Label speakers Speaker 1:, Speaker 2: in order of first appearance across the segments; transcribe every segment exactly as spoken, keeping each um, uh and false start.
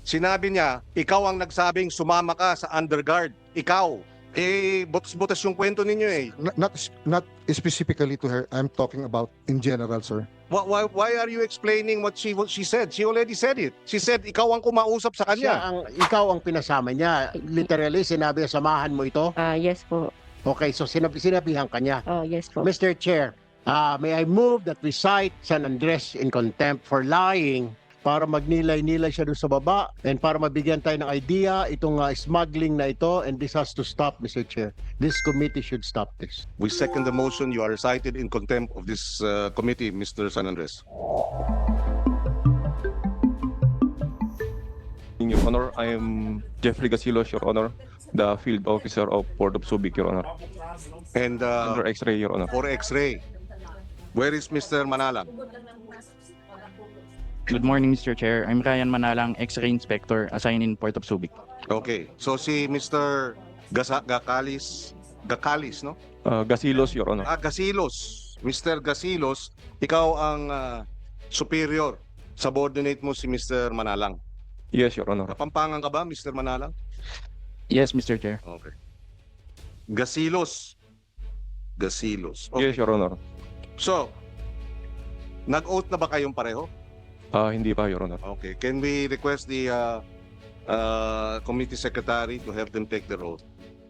Speaker 1: Sinabi niya, ikaw ang nagsabing sumama ka sa underguard. Ikaw. Eh, butas-butas yung kwento ninyo eh.
Speaker 2: Not, not not specifically to her. I'm talking about in general, sir.
Speaker 1: Why, why, why are you explaining what she what she said? She already said it. She said, ikaw ang kumausap sa
Speaker 3: Siya
Speaker 1: kanya.
Speaker 3: ang, ikaw ang pinasama niya. Literally, sinabi niya, samahan mo ito.
Speaker 4: Ah, yes po.
Speaker 3: Okay, so sinabi, sinabihan ka niya.
Speaker 4: Oh, yes po.
Speaker 3: Mister Chair, uh, may I move that we cite San Andres in contempt for lying para magnilay-nilay siya doon sa baba and para mabigyan tayo ng idea itong uh, smuggling na ito, and this has to stop, Mister Chair. This committee should stop this.
Speaker 1: We second the motion. You are cited in contempt of this uh, committee, Mister San Andres.
Speaker 5: In Your Honor, I am Jeffrey Gasilos, Your Honor, the field officer of Port of Subic, Your Honor.
Speaker 1: And uh,
Speaker 5: Under X-ray, Your Honor.
Speaker 1: for X-ray, where is Mister Manalang?
Speaker 6: Good morning, Mister Chair. I'm Ryan Manalang, X-ray Inspector assigned in Port of Subic.
Speaker 1: Okay. So si Mister Gasa Gakalis, Gakalis, no?
Speaker 5: Uh, Gasilos, Your Honor.
Speaker 1: Ah, Gasilos. Mister Gasilos, ikaw ang uh, superior. Subordinate mo si Mister Manalang.
Speaker 5: Yes, Your Honor.
Speaker 1: Kapampangan ka ba, Mister Manalang?
Speaker 6: Yes, Mister Chair.
Speaker 1: Okay. Gasilos. Gasilos. Okay.
Speaker 5: Yes, Your Honor.
Speaker 1: So, nag-oath na ba kayong pareho?
Speaker 5: Uh, hindi pa, Your Honor.
Speaker 1: Okay. Can we request the uh, uh, committee secretary to have them take the oath?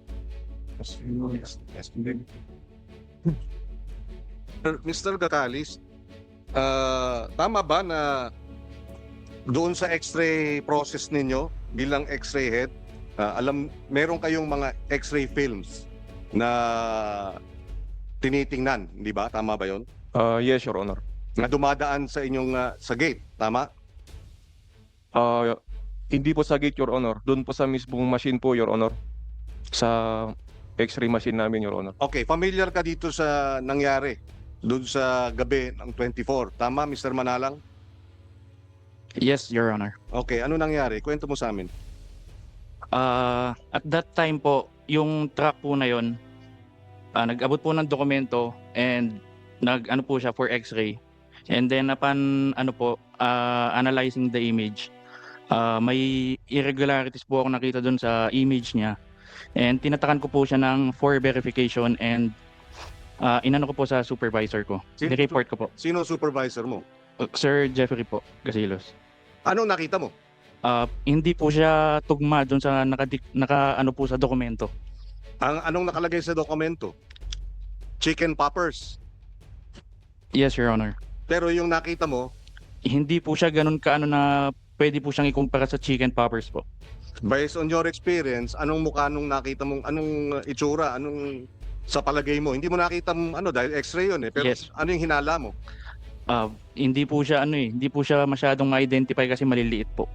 Speaker 1: Mister Gakalis, uh, tama ba na doon sa X-ray process ninyo bilang X-ray head, uh, alam, meron kayong mga X-ray films na tinitingnan, di ba? Tama ba yon?
Speaker 5: Uh, yes, Your Honor.
Speaker 1: Na dumadaan sa inyong uh, sa gate, tama?
Speaker 5: Uh, hindi po sa gate, Your Honor. Doon po sa mismong machine po, Your Honor. Sa X-ray machine namin, Your Honor.
Speaker 1: Okay, familiar ka dito sa nangyari doon sa gabi ng twenty-four, tama, Mister Manalang?
Speaker 6: Yes, Your Honor.
Speaker 1: Okay, ano nangyari? Kwento mo sa amin.
Speaker 6: Uh, at that time po, yung truck po na yon, uh, nag-abot po ng dokumento and nag-ano po siya for X-ray. And then upon ano po, uh, analyzing the image, uh, may irregularities po ako nakita doon sa image niya. And tinatakan ko po siya ng for verification and uh, inano ko po sa supervisor ko.
Speaker 1: Sin-
Speaker 6: Ni-report ko po.
Speaker 1: Sino supervisor mo?
Speaker 6: Uh, Sir Jeffrey po, Gasilos.
Speaker 1: Anong nakita mo?
Speaker 6: Uh, hindi po siya tugma doon sa naka, naka ano po sa dokumento.
Speaker 1: Ang anong nakalagay sa dokumento? Chicken poppers.
Speaker 6: Yes, Your Honor.
Speaker 1: Pero yung nakita mo,
Speaker 6: Hindi po siya ganun kaano na pwede po siyang ikumpara sa chicken poppers po.
Speaker 1: based on your experience, anong mukha nung nakita mong, anong uh, itsura, anong sa palagay mo? Hindi mo nakita m- ano dahil X-ray yun eh. Pero
Speaker 6: Yes.
Speaker 1: ano yung hinala mo?
Speaker 6: Uh, hindi po siya ano eh, hindi po siya masyadong ma-identify kasi maliliit po.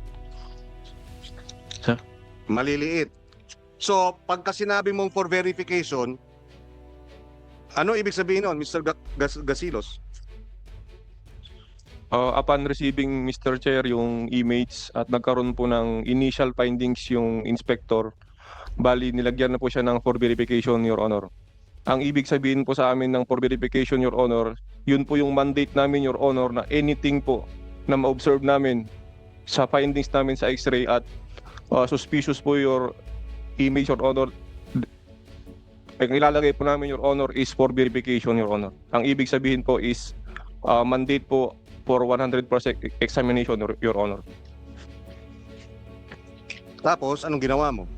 Speaker 1: Maliliit. So, pagka sinabi mong for verification, ano ibig sabihin nun, Mister Ga- Gas- Gasilos?
Speaker 5: Uh, upon receiving, Mister Chair, yung image at nagkaroon po ng initial findings yung inspector, bali nilagyan na po siya ng for verification, Your Honor. Ang ibig sabihin po sa amin ng for verification, Your Honor, yun po yung mandate namin, Your Honor, na anything po na ma-observe namin sa findings namin sa X-ray at uh, suspicious po your image, Your Honor, ang ilalagay po namin, Your Honor, is for verification, Your Honor. Ang ibig sabihin po is uh, mandate po for one hundred percent examination, Your, Your Honor.
Speaker 1: Tapos, anong ginawa mo?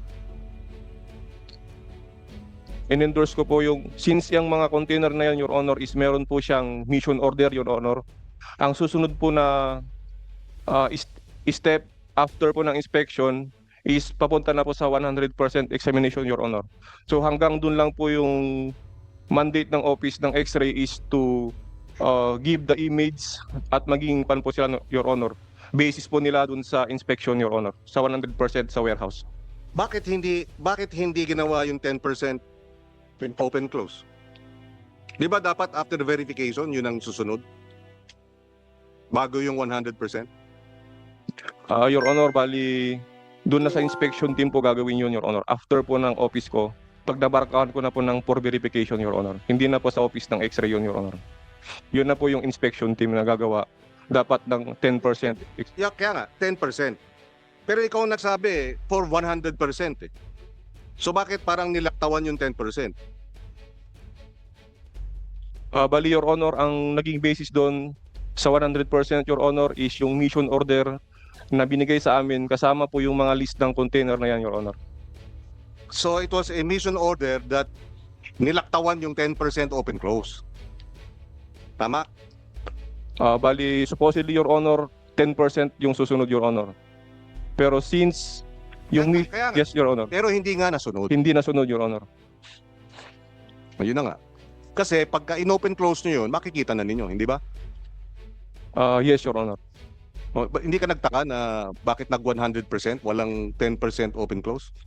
Speaker 5: In-endorse ko po yung, since yung mga container na yan, Your Honor, is meron po siyang mission order, Your Honor. Ang susunod po na uh, is- step after po ng inspection is papunta na po sa one hundred percent examination, Your Honor. So hanggang dun lang po yung mandate ng office ng X-ray is to uh, give the image at maging pan po sila, Your Honor. Basis po nila dun sa inspection, Your Honor, sa one hundred percent sa warehouse.
Speaker 1: Bakit hindi bakit hindi ginawa yung ten percent open close? Di ba dapat after the verification, yun ang susunod? Bago yung one hundred percent?
Speaker 5: Ah, Your Honor, bali doon na sa inspection team po gagawin yun, Your Honor. After po ng office ko, pag nabarkahan ko na po ng for verification, Your Honor. Hindi na po sa office ng X-ray yun, Your Honor. Yun na po yung inspection team na gagawa. Dapat ng ten percent.
Speaker 1: Yeah, kaya nga, ten percent. Pero ikaw ang nagsabi eh, for one hundred percent eh. So bakit parang nilaktawan yung ten percent?
Speaker 5: Ah, bali, Your Honor, ang naging basis doon sa one hundred percent, Your Honor, is yung mission order na binigay sa amin kasama po yung mga list ng container na yan, Your Honor.
Speaker 1: So it was a mission order that nilaktawan yung ten percent open close. Tama?
Speaker 5: Ah, bali, supposedly, Your Honor, ten percent yung susunod, Your Honor. Pero since yung mi-
Speaker 1: Kaya nga,
Speaker 5: yes, Your Honor,
Speaker 1: pero hindi nga nasunod.
Speaker 5: hindi nasunod, Your Honor.
Speaker 1: Ayun na nga. Kasi pagka in-open close nyo yun, makikita na ninyo, hindi ba?
Speaker 5: Ah, yes, Your Honor.
Speaker 1: O, ba- hindi ka nagtaka na bakit nag one hundred percent, walang ten percent open close?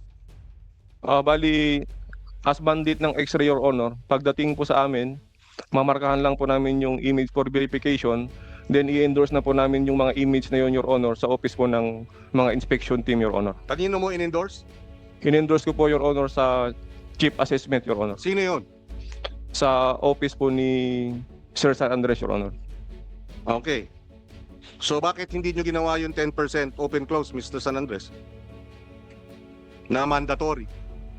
Speaker 5: Ah, bali, as bandit ng X-ray, Your Honor, pagdating po sa amin, mamarkahan lang po namin yung image for verification, then i-endorse na po namin yung mga image na yun, Your Honor, sa office po ng mga inspection team, Your Honor.
Speaker 1: Kanino mo in-endorse?
Speaker 5: In-endorse ko po, Your Honor, sa chief assessment, Your Honor.
Speaker 1: Sino yun?
Speaker 5: Sa office po ni Sir San Andres, Your Honor.
Speaker 1: Okay. So bakit hindi nyo ginawa yung ten percent open close, Mister San Andres? Na mandatory.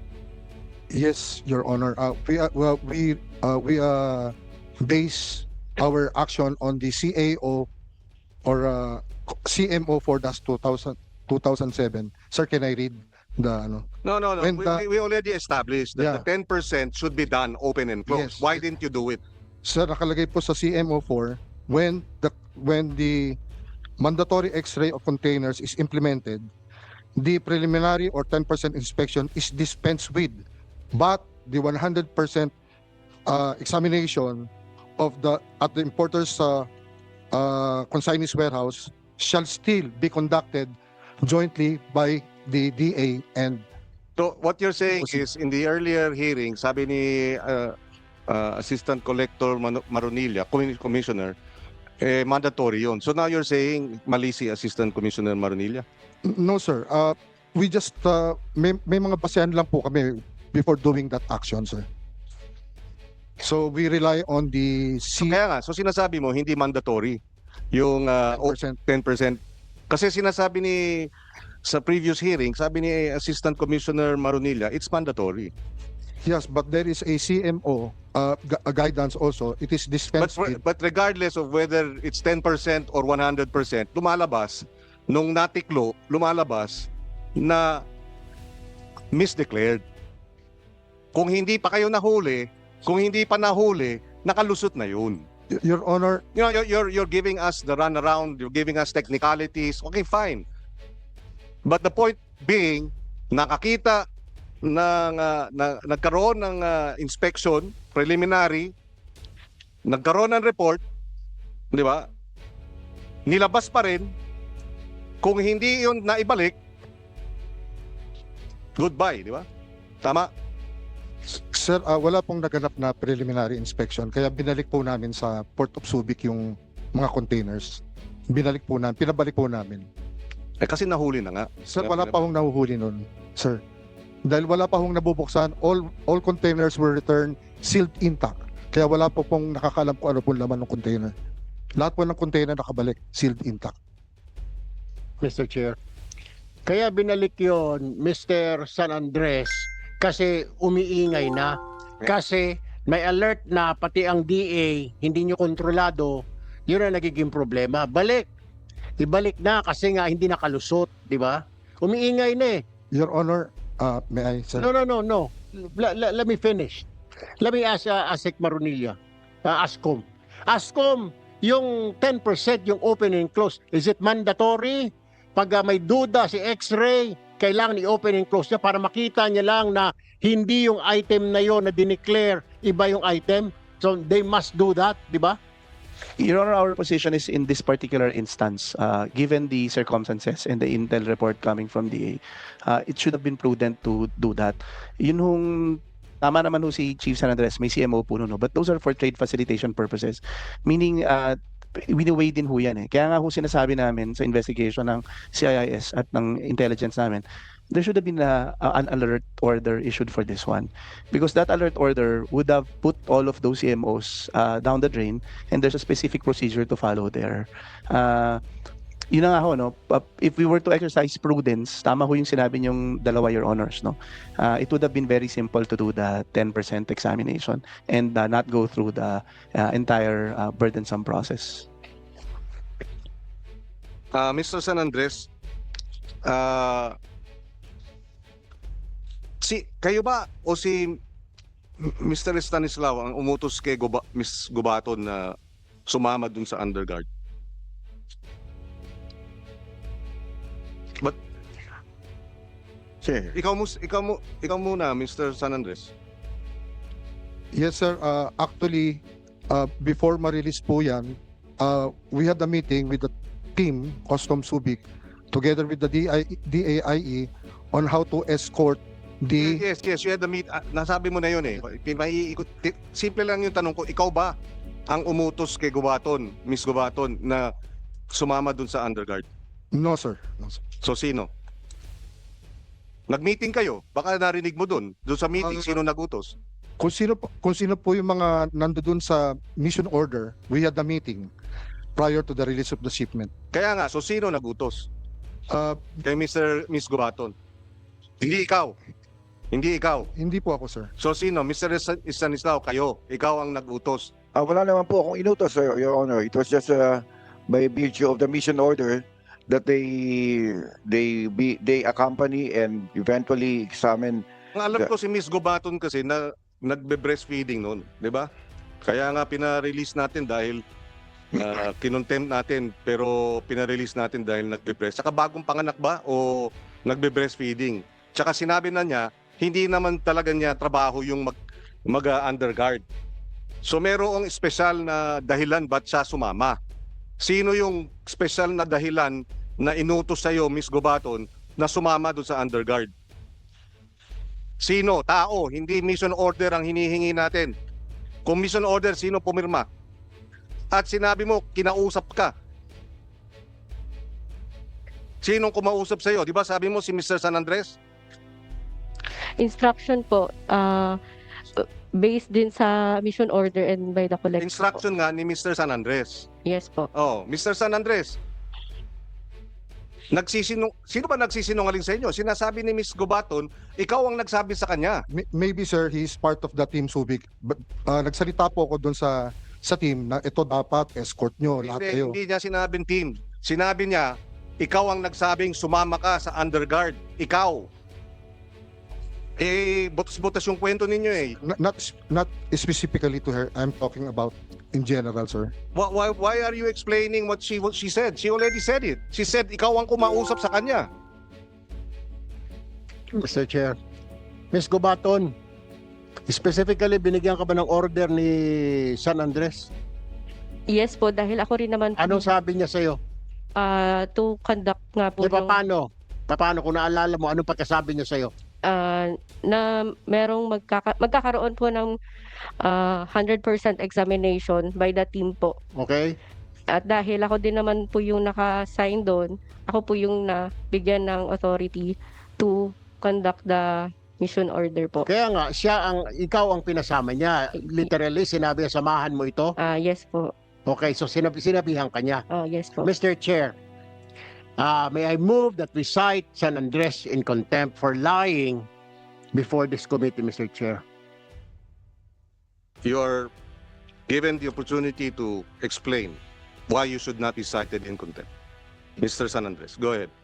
Speaker 2: Yes, Your Honor. Uh, we uh, well, we uh, we uh, base our action on the C A O or uh, C M O for two thousand two thousand seven. Sir, can I read the ano?
Speaker 1: No, no, no.
Speaker 2: When
Speaker 1: We,
Speaker 2: the-
Speaker 1: we- we already established that
Speaker 2: Yeah.
Speaker 1: the ten percent should be done open and closed.
Speaker 2: Yes.
Speaker 1: Why didn't you do it?
Speaker 2: Sir, nakalagay po sa C M O four, when the when the mandatory X-ray of containers is implemented, the preliminary or ten percent inspection is dispensed with, but the one hundred percent uh, examination of the at the importer's uh, uh, consignee's warehouse shall still be conducted jointly by the D A and
Speaker 1: So what you're saying
Speaker 2: Proceed.
Speaker 1: is in the earlier hearing, sabi ni uh, uh, Assistant Collector Mano- Maronilla, Commi- Commissioner, eh, mandatory yun. So now you're saying mali si Assistant Commissioner Maronilla?
Speaker 2: no sir, uh, we just uh, may, may mga basehan lang po kami before doing that action, sir. So we rely on the
Speaker 1: So
Speaker 2: C
Speaker 1: kaya nga, so sinasabi mo hindi mandatory yung uh, o-
Speaker 2: percent.
Speaker 1: ten percent. Kasi sinasabi ni sa previous hearing, sabi ni Assistant Commissioner Maronilla, it's mandatory.
Speaker 2: Yes, but there is a C M O uh, gu- a guidance also. It is
Speaker 1: But
Speaker 2: dispensed
Speaker 1: for-
Speaker 2: with.
Speaker 1: but regardless of whether it's ten percent or one hundred percent, lumalabas nung natiklo, lumalabas na misdeclared. Kung hindi pa kayo nahuli, kung hindi pa nahuli, nakalusot na yun.
Speaker 2: Y- Your Honor,
Speaker 1: You know, you're, you're, you're giving us the runaround, you're giving us technicalities, okay, fine. But the point being, nakakita ng, uh, na, nagkaroon ng uh, inspection, preliminary, nagkaroon ng report, di ba? Nilabas pa rin, kung hindi yun naibalik, goodbye, di ba? Tama?
Speaker 2: sir, uh, wala pong naganap na preliminary inspection. Kaya binalik po namin sa Port of Subic yung mga containers. Binalik po namin, pinabalik po namin.
Speaker 1: Eh kasi nahuli na nga.
Speaker 2: Sir,
Speaker 1: Yep,
Speaker 2: wala
Speaker 1: yep.
Speaker 2: pa hong nahuhuli nun, sir. Dahil wala pa hong nabubuksan, all all containers were returned sealed intact. Kaya wala po pong nakakalam kung ano pong laman ng container. Lahat po ng container nakabalik, sealed intact.
Speaker 3: Mister Chair. Kaya binalik yon, Mister San Andres, kasi umiingay na. Kasi may alert na pati ang D A hindi nyo kontrolado, yun ang nagiging problema. Balik. Ibalik na kasi nga hindi nakalusot, di ba? Umiingay na eh.
Speaker 2: Your Honor, uh, may I, sir?
Speaker 3: No, no, no, no. La- la- let me finish. Let me ask uh, Asik Marunilla. Uh, Ascom. Ascom, yung ten percent yung open and close, is it mandatory? Pag uh, may duda si X-ray, kailangan i-open and close niya para makita niya lang na hindi yung item na yon na dineclare, iba yung item. So they must do that, di ba?
Speaker 4: Your Honor, our position is in this particular instance, uh, given the circumstances and the intel report coming from D A, uh, it should have been prudent to do that. Yun hong, tama naman ho si Chief San Andres, may C M O po no, no, but those are for trade facilitation purposes. Meaning, uh, wini-weigh din ho yan eh. Kaya nga ho sinasabi namin sa investigation ng C I I S at ng intelligence namin, there should have been a, a- an alert order issued for this one. Because that alert order would have put all of those C M Os uh, down the drain, and there's a specific procedure to follow there. Uh, Yun na nga ho, no? Pa- If we were to exercise prudence, tama ho yung sinabi niyong dalawa, Your Honors, no? Uh, it would have been very simple to do the ten percent examination and uh, not go through the uh, entire uh, burdensome process.
Speaker 1: Ah, Mister San Andres, ah, si kayo ba o si Mister Stanislao ang umutos kay Guba, Miss Gubaton na sumama dun sa underguard? But
Speaker 7: Sir,
Speaker 1: ikaw mo ikaw mo ikaw muna, Mister San Andres.
Speaker 2: Yes, sir. Uh, actually, uh, before ma-release po yan, uh, we had a meeting with the team, Customs Subic, together with the D I, D A I E on how to escort the...
Speaker 1: Yes, yes, you had the meet. ah, nasabi mo na yun eh. Maiikot. ti- Simple lang yung tanong ko, ikaw ba ang umutos kay Gubaton, Miss Gubaton, na sumama dun sa underguard?
Speaker 2: No, sir. No, sir.
Speaker 1: So sino? Nag-meeting kayo? Baka narinig mo dun. Dun sa meeting,
Speaker 2: Ang-
Speaker 1: sino nagutos?
Speaker 2: Kung sino, po- kung sino po yung mga nandoon sa mission order, we had a meeting prior to the release of the shipment.
Speaker 1: Kaya nga, so sino nagutos?
Speaker 2: Uh,
Speaker 1: Kay Mister Miss Gubaton? Hindi ikaw. Hindi ikaw.
Speaker 2: hindi po ako, sir.
Speaker 1: So sino? Mister Is- Stanislao, kayo. Ikaw ang nagutos.
Speaker 7: ah, wala naman po akong inutos, Sir, Your Honor. It was just uh, by virtue of the mission order that they they be they accompany and eventually examine.
Speaker 1: Ang alam ko si Miss Gubaton kasi na nagbe-breastfeeding noon, 'di ba? Kaya nga pina-release natin dahil uh, kinontempt natin pero pina-release natin dahil nagbe-breast. Saka bagong panganak ba o nagbe-breastfeeding? Tsaka sinabi na niya, hindi naman talaga niya trabaho yung mag, mag uh, underguard. So merong espesyal na dahilan ba't siya sumama. Sino yung special na dahilan na inutos sa'yo, Miss Gubaton, na sumama doon sa underguard? Sino? Tao. Hindi mission order ang hinihingi natin. Kung mission order, sino pumirma? At sinabi mo, kinausap ka. Sinong kumausap sa'yo? Di ba sabi mo si Mister San Andres?
Speaker 8: Instruction po, ah, based din sa mission order and by the collector po.
Speaker 1: Instruction nga ni Mister San Andres.
Speaker 8: Yes po.
Speaker 1: Oh, Mister San Andres. Nagsisinung Sino ba nagsisinungaling sa inyo? Sinasabi ni Miss Gubaton, ikaw ang nagsabi sa kanya.
Speaker 2: May- Maybe, sir, he's part of the team Subic. But uh, nagsalita po ako doon sa sa team na ito dapat escort nyo, lahat
Speaker 1: Hindi,
Speaker 2: kayo.
Speaker 1: hindi niya sinabing team. Sinabi niya, ikaw ang nagsabing sumama ka sa underguard. Ikaw. Eh, butas-butas yung kwento ninyo eh.
Speaker 2: Not, not not specifically to her. I'm talking about in general, sir.
Speaker 1: Why, why, why are you explaining what she what she said? She already said it. She said ikaw ang kumausap sa kanya.
Speaker 3: Mister Chair. Miss Gubaton, specifically binigyan ka ba ng order ni San Andres?
Speaker 8: Yes po, dahil ako rin naman po,
Speaker 3: Anong sabi niya sa'yo?
Speaker 8: ah, to conduct nga po
Speaker 3: Di ba
Speaker 8: yung,
Speaker 3: paano? Paano kung naalala mo, anong pagkasabi niya sa'yo?
Speaker 8: ah, na merong magkaka- magkakaroon po ng ah, one hundred percent examination by the team po.
Speaker 3: Okay?
Speaker 8: At dahil ako din naman po yung naka-sign doon, ako po yung nabigyan ng authority to conduct the mission order po.
Speaker 3: Kaya nga, siya ang, ikaw ang pinasama niya. Literally, sinabi niya, samahan mo ito.
Speaker 8: Ah, yes po.
Speaker 3: Okay, so sinabi, sinabihan ka niya.
Speaker 8: Ah, yes po.
Speaker 3: Mister Chair, uh, may I move that we cite San Andres in contempt for lying before this committee, Mister Chair.
Speaker 1: You are given the opportunity to explain why you should not be cited in contempt. Mister San Andres, go ahead.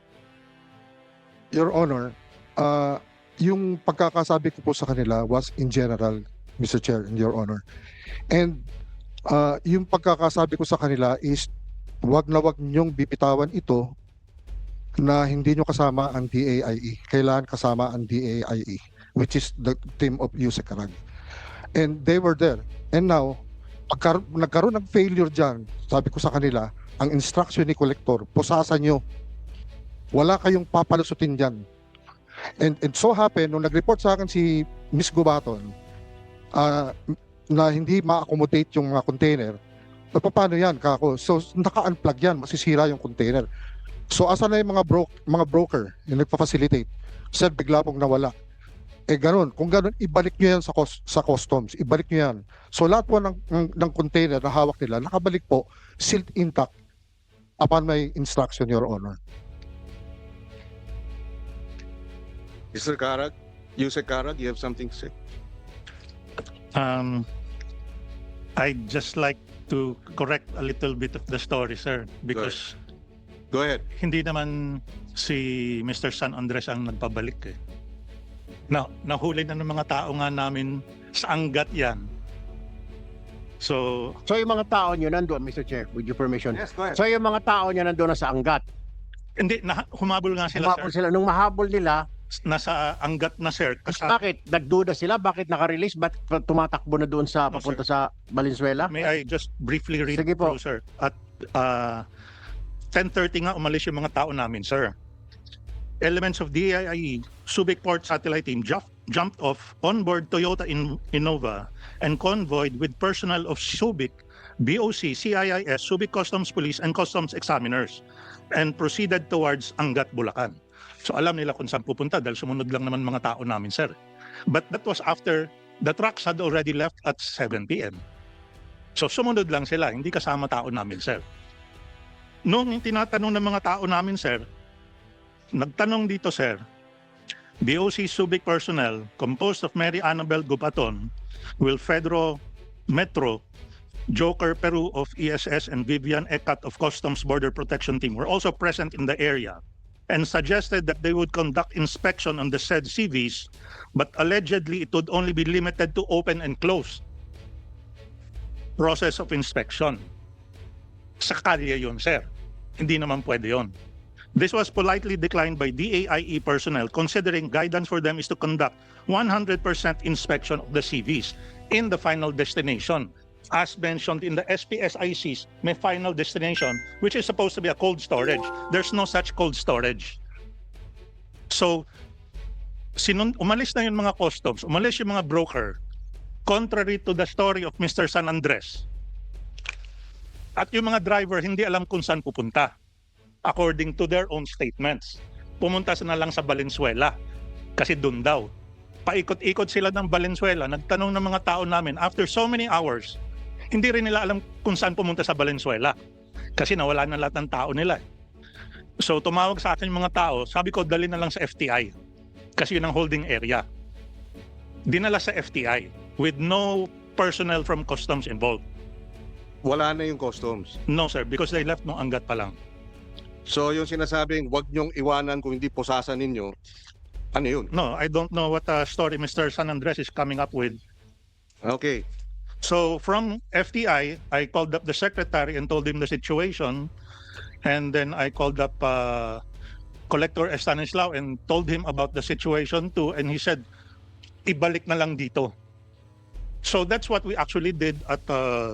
Speaker 2: Your Honor, uh, yung pagkakasabi ko po sa kanila was in general, Mister Chair and Your Honor. And uh, yung pagkakasabi ko sa kanila is wag na wag niyong bibitawan ito na hindi nyo kasama ang D A I E. Kailangan kasama ang D A I E, which is the team of Yusek Karag. And they were there. And now, pagkar- nagkaroon ng failure dyan, sabi ko sa kanila, ang instruction ni Collector, pusasan nyo. Wala kayong papalusutin dyan. And, and so happen, nung nag-report sa akin si Miss Gubaton, ah, na hindi ma-accommodate yung mga container, so, paano yan, kako? So, naka-unplug yan, masisira yung container. So, asa na yung mga, bro- mga broker yung nagpa-facilitate? Sir, bigla pong nawala. Eh, ganun. Kung ganun, ibalik nyo yan sa, cus- sa customs. Ibalik nyo yan. So, lahat po ng, ng, ng container na hawak nila, nakabalik po, sealed intact. upon my instruction, Your Honor.
Speaker 1: Mister Carag, Yusek Carag, you have something to say?
Speaker 9: Um, I'd just like to correct a little bit of the story, sir, because
Speaker 1: Go ahead.
Speaker 9: hindi naman si Mister San Andres ang nagpabalik eh. Na, nahuli na ng mga tao nga namin sa Angat yan. So,
Speaker 3: So yung mga tao nyo nandun, Mister Chair, with your permission.
Speaker 1: Yes, go ahead.
Speaker 3: So yung mga tao nyo nandun na sa Angat.
Speaker 9: hindi, na, humabol nga sila,
Speaker 3: Humabol
Speaker 9: sir.
Speaker 3: sila. Nung mahabol nila,
Speaker 9: Nasa Angat na, sir. Kasi,
Speaker 3: bakit? Nagduda sila? Bakit naka-release? Bakit tumatakbo na doon sa
Speaker 9: No,
Speaker 3: papunta sa Valenzuela?
Speaker 9: may I just briefly read
Speaker 3: Sige po.
Speaker 9: through, sir? At uh, ten thirty nga umalis yung mga tao namin, sir. Elements of D I I E, Subic Port Satellite Team jumped, jumped off onboard Toyota in Innova and convoyed with personnel of Subic, B O C, C I I S, Subic Customs Police, and Customs Examiners and proceeded towards Angat, Bulacan. So alam nila kung saan pupunta dahil sumunod lang naman mga tao namin, sir. But that was after the trucks had already left at seven p m So sumunod lang sila, hindi kasama tao namin, sir. Nung tinatanong ng mga tao namin, sir, nagtanong dito, sir, B O C Subic personnel composed of Mary Annabel Gubaton, Wilfedro Metro, Joker Peru of E S S, and Vivian Ekat of Customs Border Protection Team were also present in the area and suggested that they would conduct inspection on the said C Vs, but allegedly it would only be limited to open and close process of inspection. Sa kalye yun, sir. Hindi naman pwede yun. This was politely declined by D A I E personnel, considering guidance for them is to conduct one hundred percent inspection of the C Vs in the final destination. As mentioned in the S P S I Cs, may final destination, which is supposed to be a cold storage. There's no such cold storage. So, sinun umalis na yung mga customs, umalis yung mga broker, contrary to the story of Mister San Andres. At yung mga driver, hindi alam kung saan pupunta, according to their own statements. Pumunta na lang sa Valenzuela, kasi doon daw. Paikot-ikot sila ng Valenzuela, nagtanong ng mga tao namin, after so many hours, hindi rin nila alam kung saan pumunta sa Valenzuela kasi nawala na lahat ng tao nila. So tumawag sa akin yung mga tao, sabi ko dali na lang sa F T I kasi yun ang holding area. Dinala sa F T I with no personnel from customs involved.
Speaker 1: Wala na yung customs.
Speaker 9: No sir, because they left nung Angat pa lang.
Speaker 1: So yung sinasabing wag niyong iwanan kung hindi pusasan ninyo, ano yun?
Speaker 9: No, I don't know what uh, story Mister San Andres is coming up with.
Speaker 1: Okay.
Speaker 9: So from F T I, I called up the secretary and told him the situation. And then I called up uh, Collector Estanislao and told him about the situation too. And he said, ibalik na lang dito. So that's what we actually did at uh,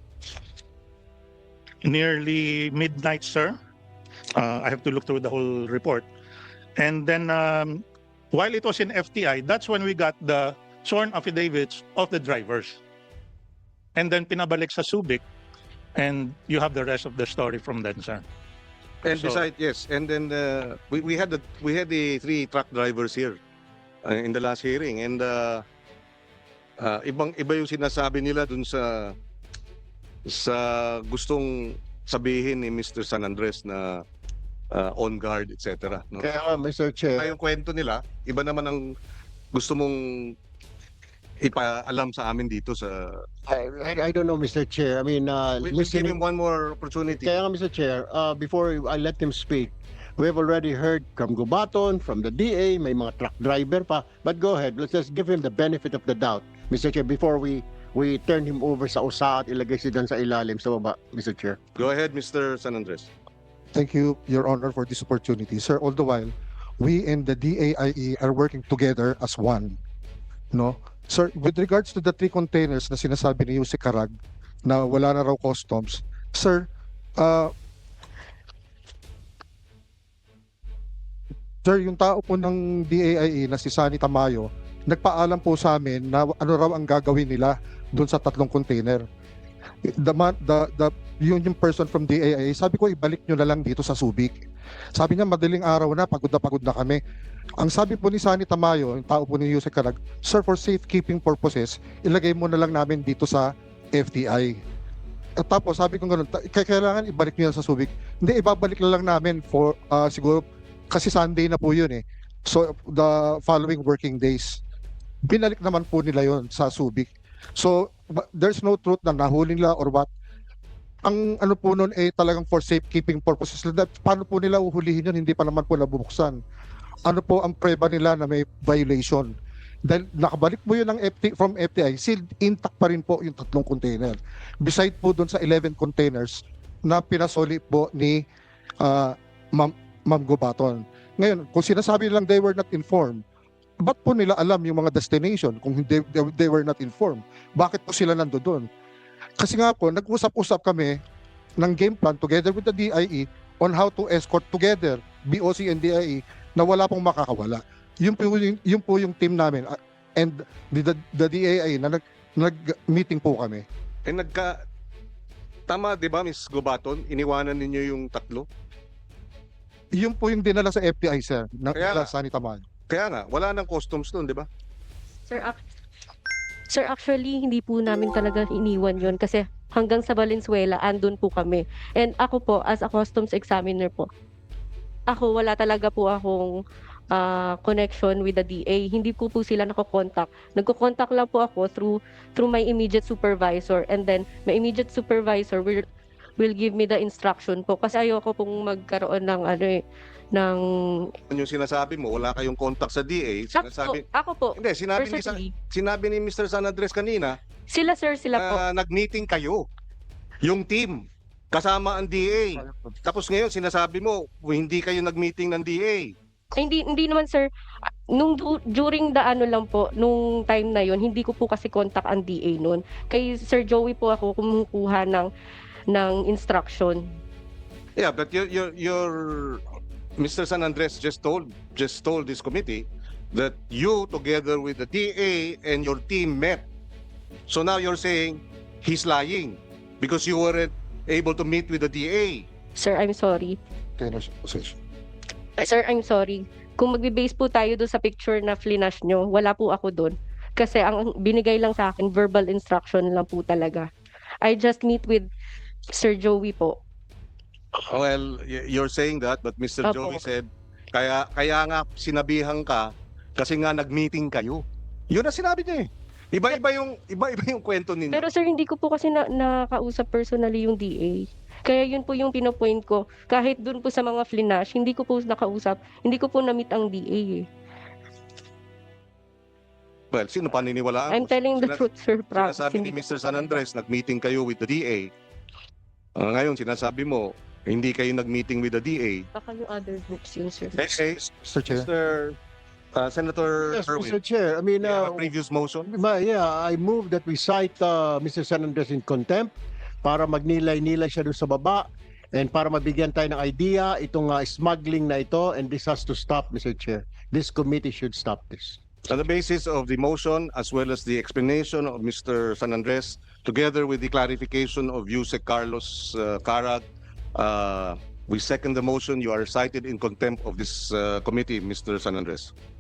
Speaker 9: nearly midnight, sir. Uh, I have to look through the whole report. And then um, while it was in F T I, that's when we got the sworn affidavits of the drivers. And then pinabalik sa Subic, and you have the rest of the story from then, sir.
Speaker 1: And
Speaker 9: So-
Speaker 1: besides, yes, and then uh, we we had the we had the three truck drivers here uh, in the last hearing, and uh, uh, ibang iba yung sinasabi nila dun sa sa gustong sabihin ni Mister San Andres na uh, on guard, et cetera. No?
Speaker 3: Kaya nga, Mister Chair,
Speaker 1: Kaya yung kwento nila, iba naman ang gusto mong ipaalam sa amin dito sa...
Speaker 3: I, I, I don't know, Mister Chair. I mean, uh,
Speaker 1: We, we'll give
Speaker 3: listening,
Speaker 1: him one more opportunity.
Speaker 3: kaya nga, Mister Chair, uh, before I let him speak, we have already heard from Gubaton, from the D A, may mga truck driver pa. But go ahead, let's just give him the benefit of the doubt, Mister Chair, before we we turn him over sa usa at ilagay siya dyan sa ilalim sa baba, Mister Chair.
Speaker 1: Go ahead, Mister San Andres.
Speaker 2: Thank you, Your Honor, for this opportunity. Sir, all the while, we and the D A I E are working together as one. No? Sir, with regards to the three containers na sinasabi ni Yusek Carag na wala na raw customs, sir, uh, sir, yung tao po ng D A I E na si Sunny Tamayo, nagpaalam po sa amin na ano raw ang gagawin nila doon sa tatlong container. The, man, the, the, yun yung person from D A I E, sabi ko ibalik nyo na lang dito sa Subic. Sabi niya madaling araw na, pagod na pagod na kami. Ang sabi po ni Sunny Tamayo, yung tao po ni Yusek Carag, sir, for safekeeping purposes, ilagay mo na lang namin dito sa F T I. At tapos sabi ko ganun, "Ta- k- kailangan ibalik niyo yan sa Subic." Hindi, ibabalik na lang namin for ah, siguro, kasi Sunday na po yun eh. So the following working days, binalik naman po nila yon sa Subic. So ba- there's no truth na nahuli nila or what. Ang ano po nun eh talagang for safekeeping purposes. That- Paano po nila uhulihin yun? Hindi pa naman po nabubuksan. Ano po ang preba nila na may violation? Dahil nakabalik po yun ng F T, from F T I, sealed intact pa rin po yung tatlong container. Beside po doon sa eleven containers na pinasoli po ni ah, Ma'am, Ma'am Gubaton. Ngayon, kung sinasabi nilang they were not informed, ba't po nila alam yung mga destination kung hindi, they, they were not informed? Bakit po sila nando doon? Kasi nga po, nag-usap-usap kami ng game plan together with the D I E on how to escort together B O C and D I E na wala pong makakawala. Yun po yung, yun po yung team namin ah, and the, the, the D A I na nag, nag-meeting po kami.
Speaker 1: Eh nagka tama 'di ba Miss Gubaton, iniwanan ninyo yung tatlo?
Speaker 2: Yun po yung dinala sa F T I, sir, ng
Speaker 1: Kaya-
Speaker 2: Kaya, Sanitaman.
Speaker 1: Kaya nga, wala nang customs doon, 'di ba?
Speaker 8: Sir, ac- Sir, actually, hindi po namin talaga iniwan yon kasi hanggang sa Valenzuela, andun po kami. And ako po, as a customs examiner po, ako, wala talaga po akong ah, connection with the D A. Hindi ko po sila nako-contact. Nagko-contact lang po ako through through my immediate supervisor, and then my immediate supervisor will will give me the instruction po kasi ayoko pong magkaroon ng ano eh, ng
Speaker 1: Ano yung sinasabi mo, wala kayong contact sa D A,
Speaker 8: Ako,
Speaker 1: sinasabi
Speaker 8: ako po,
Speaker 1: Hindi, sinabi ni, Sa-
Speaker 8: personally,
Speaker 1: sinabi ni Mister San Andres kanina
Speaker 8: sila sir, sila po.
Speaker 1: na nag-meeting kayo. Yung team kasama ang D A. Tapos ngayon sinasabi mo hindi kayo nag-meeting ng D A.
Speaker 8: Ay, hindi hindi naman sir. Ah, nung du- during the ano lang po, nung time na yon, hindi ko po kasi contact ang D A noon. Kay Sir Joey po ako kumukuha ng ng instruction.
Speaker 1: Yeah, but your your your Mister San Andres just told just told this committee that you together with the D A and your team met. So now you're saying he's lying because you weren't able to meet with the D A.
Speaker 8: Sir, I'm sorry.
Speaker 2: Containers possession.
Speaker 8: Ay, sir, I'm sorry. Kung magbe-base po tayo doon sa picture na flinash nyo, wala po ako doon. Kasi ang binigay lang sa akin, verbal instruction lang po talaga. I just meet with Sir Joey po.
Speaker 1: Well, y- you're saying that, but Mister
Speaker 8: Opo.
Speaker 1: Joey said, kaya kaya nga sinabihan ka kasi nga nag-meeting kayo. Yun ang sinabi niya eh. Iba-iba yung iba-iba yung kwento ninyo.
Speaker 8: Pero sir, hindi ko po kasi na nakausap personally yung D A. Kaya yun po yung pinopoint ko. Kahit dun po sa mga flinash, hindi ko po nakausap. Hindi ko po na-meet ang D A eh.
Speaker 1: Well, sino paniniwalaan
Speaker 8: I'm
Speaker 1: mo?
Speaker 8: telling the
Speaker 1: Sinas-
Speaker 8: truth, sir. Promise.
Speaker 1: Sinasabi ni
Speaker 8: Hindi ko
Speaker 1: Mister
Speaker 8: po
Speaker 1: San
Speaker 8: talaga.
Speaker 1: Andres, nag-meeting kayo with the D A. Ah, ngayon, sinasabi mo, hindi kayo nag-meeting with the D A.
Speaker 8: Baka yung other groups yun, sir.
Speaker 1: Eh, eh,
Speaker 2: Mister Chair.
Speaker 1: Mister uh, Senator
Speaker 3: Yes,
Speaker 1: Erwin,
Speaker 3: Mister Chair. I mean,
Speaker 1: you have
Speaker 3: uh,
Speaker 1: a previous motion?
Speaker 3: Ma- yeah, I move that we cite uh, Mister San Andres in contempt para magnilay-nilay siya doon sa baba and para mabigyan tayo ng idea itong uh, smuggling na ito, and this has to stop, Mister Chair. This committee should stop this.
Speaker 1: On the basis of the motion as well as the explanation of Mister San Andres, together with the clarification of Yusek Carlos uh, Carag, uh, we second the motion. You are cited in contempt of this uh, committee, Mister San Andres.